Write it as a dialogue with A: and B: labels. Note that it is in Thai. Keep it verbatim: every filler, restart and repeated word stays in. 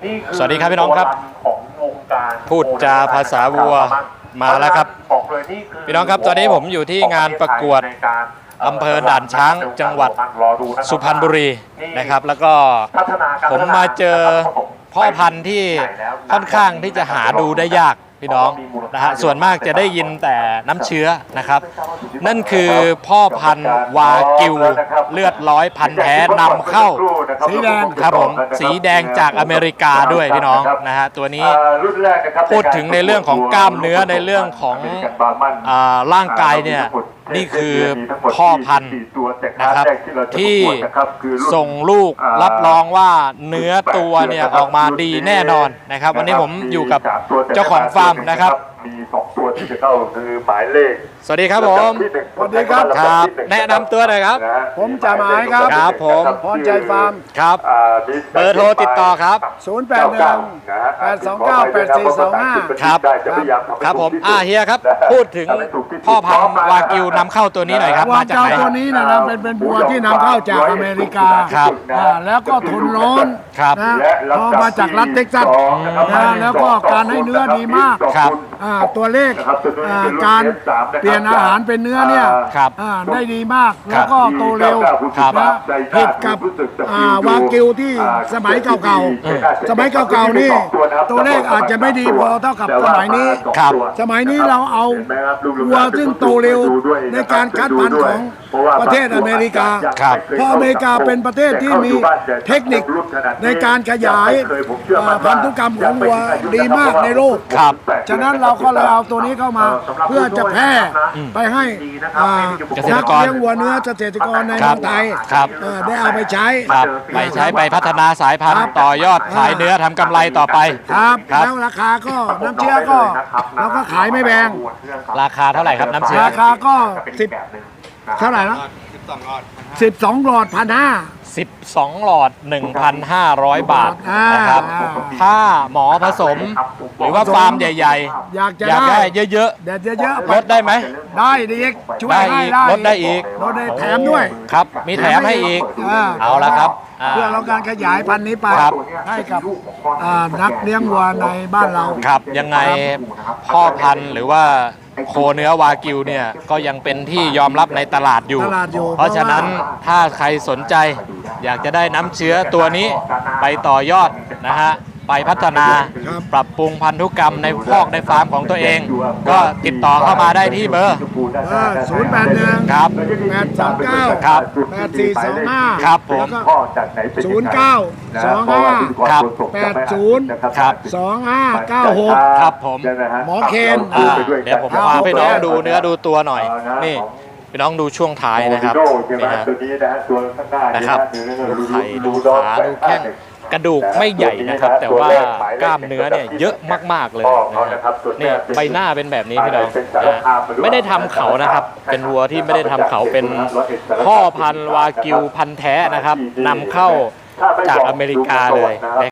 A: สวัสดีครับพี่น้องครับพูดจาภาษาวัวมาแล้วครับพี่น้องครับตอนนี้ผมอยู่ที่งานประกวดอำเภอด่านช้างจังหวัดสุพรรณบุรีนะครับแล้วก็ผมมาเจอพ่อพันธุ์ที่ค่อนข้างที่จะหาดูได้ยากพี่น้องนะฮะส่วนมากจะได้ยินแต่น้ำเชื้อนะครับนั่นคือพ่อพันธุ์วากิวเลือดร้อยพันธุ์แท้นำเข้าสีแดงครับผมสีแดงจากอเมริกาด้วยพี่น้องนะฮะตัวนี้พูดถึงในเรื่องของกล้ามเนื้อในเรื่องของร่างกายเนี่ยนี่คือพ่อพันธุ์นะครับที่ส่งลูกรับรองว่าเนื้อตัวเนี่ยออกมาดีแน่นอนนะครับวันนี้ผมอยู่กับเจ้าของฟาร์มนะครับ
B: มีสองตัวที่จะเข้าคือหมายเลข
A: สวัสดีครับผม
C: สวัสดีครับ
A: ครับแนะนำตัวหน่อยครับ
C: ผมจ่าหมายครับ
A: ครับผม
C: พรใจฟาร์ม
A: ครับเบอร์โทรติดต่อครับ
C: ศูนย์ แปด หนึ่ง แปด สอง เก้า แปด สี่ สอง ห้า
A: ครับครับผมอ่าเฮียครับพูดถึงพ่อพันธุ์วากิวนำเข้าตัวนี้หน่อยครับ
C: มาจากไหนตัวนี้นะครับเป็นเป็นวัวที่นำเข้าจากอเมริกา
A: ครับ
C: แล้วก็ทนร้อน
A: ครับ
C: นะพอมาจากรัฐเท็กซัสนะแล้วก็การให้เนื้อดีมาก
A: ครับ
C: ตัวเลขการเปลี่ยนอาหารเป็นเนื้อเนี่ยได้ดีมากแล้วก็โตเร็วนะผิดกับวากิวที่สมัยเก่าๆสมัยเก่าๆนี่ตัวเลขอาจจะไม่ดีพอเท่ากับสมัยนี้สมัยนี้เราเอาวัวซึ่งโตเร็วในการคัดพันธุ์ของประเทศอเมริกาเพราะอเมริกาเป็นประเทศที่มีเทคนิคในการขยายพันธุกรรมของวัวดีมากในโลกฉะนั้นเราก็เลยเอาตัวนี้เข้ามาเพื่อจะแพร่ไปให้นักเลี้ยงวัวเนื้อเกษตรกรในเมืองไทยได้เอาไปใช้
A: ไปใช้ไปพัฒนาสายพันธุ์ต่อยอดขายเนื้อทำกำไรต่อไป
C: ครับแล้วราคาก็น้ำเชื้อก็เราก็ขายไม่แพง
A: ราคาเท่าไหร่ครับน้ำเชื้อ
C: ราคาก็สิบเท่าไหร่นะสิบสองหลอดพันห้า
A: สิบสองหลอด หนึ่งพันห้าร้อย บาทนะครับถ้าหมอผสมหรือว่าฟาร์มใหญ่
C: ๆอยากจะ
A: ได้เยอะๆเ
C: ยอะ
A: ๆลดได้ไหม
C: ได้ดีช่วยให้ได้
A: ลดได้อีก
C: ลดได้แถมด้วย
A: ครับมีแถมให้อีกเอาละครับ
C: เพื่อเราการขยายพันธุ์นี้ไปให้กับนักเลี้ยงวัวในบ้านเรา
A: ครับยังไงพ่อพันธุ์หรือว่าโคเนื้อวากิวเนี่ยก็ยังเป็นที่ยอมรับในตลาดอยู่เพราะฉะนั้นถ้าใครสนใจอยากจะได้น้ำเชื้อตัวนี้ไปต่อยอดนะฮะไปพัฒนาปรับปรุงพันธุกรรมในคอกในฟาร์มของตัวเองก็ติดต่อเข้ามาได้ที่เบอร์
C: ศูนย์ แปด หนึ่ง
A: ครับ
C: แปด สอง เก้า
A: ครับ
C: แปด สี่ สอง ห้า
A: ครับผม
C: ศูนย์ เก้า สอง ห้า
A: ครับ
C: แปด ศูนย์
A: ครับ
C: สอง ห้า เก้า หก
A: ครับผม
C: หมอเคน
A: เดี๋ยวผมพาพี่น้องดูเนื้อดูตัวหน่อยนี่พี่น้องดูช่วงท้ายนะครับนี่ฮะนะครับดูไข่ดูขาดูแข้งกระดูกไม่ใหญ่นะครับแต่ว่ากล้ามเนื้อเนี่ยเยอะมากๆเลยนะครับนี่ใบหน้าเป็นแบบนี้พี่น้องนะไม่ได้ทำเขานะครับเป็นวัวที่ไม่ได้ทำเขาเป็นพ่อพันธุ์วากิวพันธุ์แท้นะครับนำเข้าจากอเมริกาเลย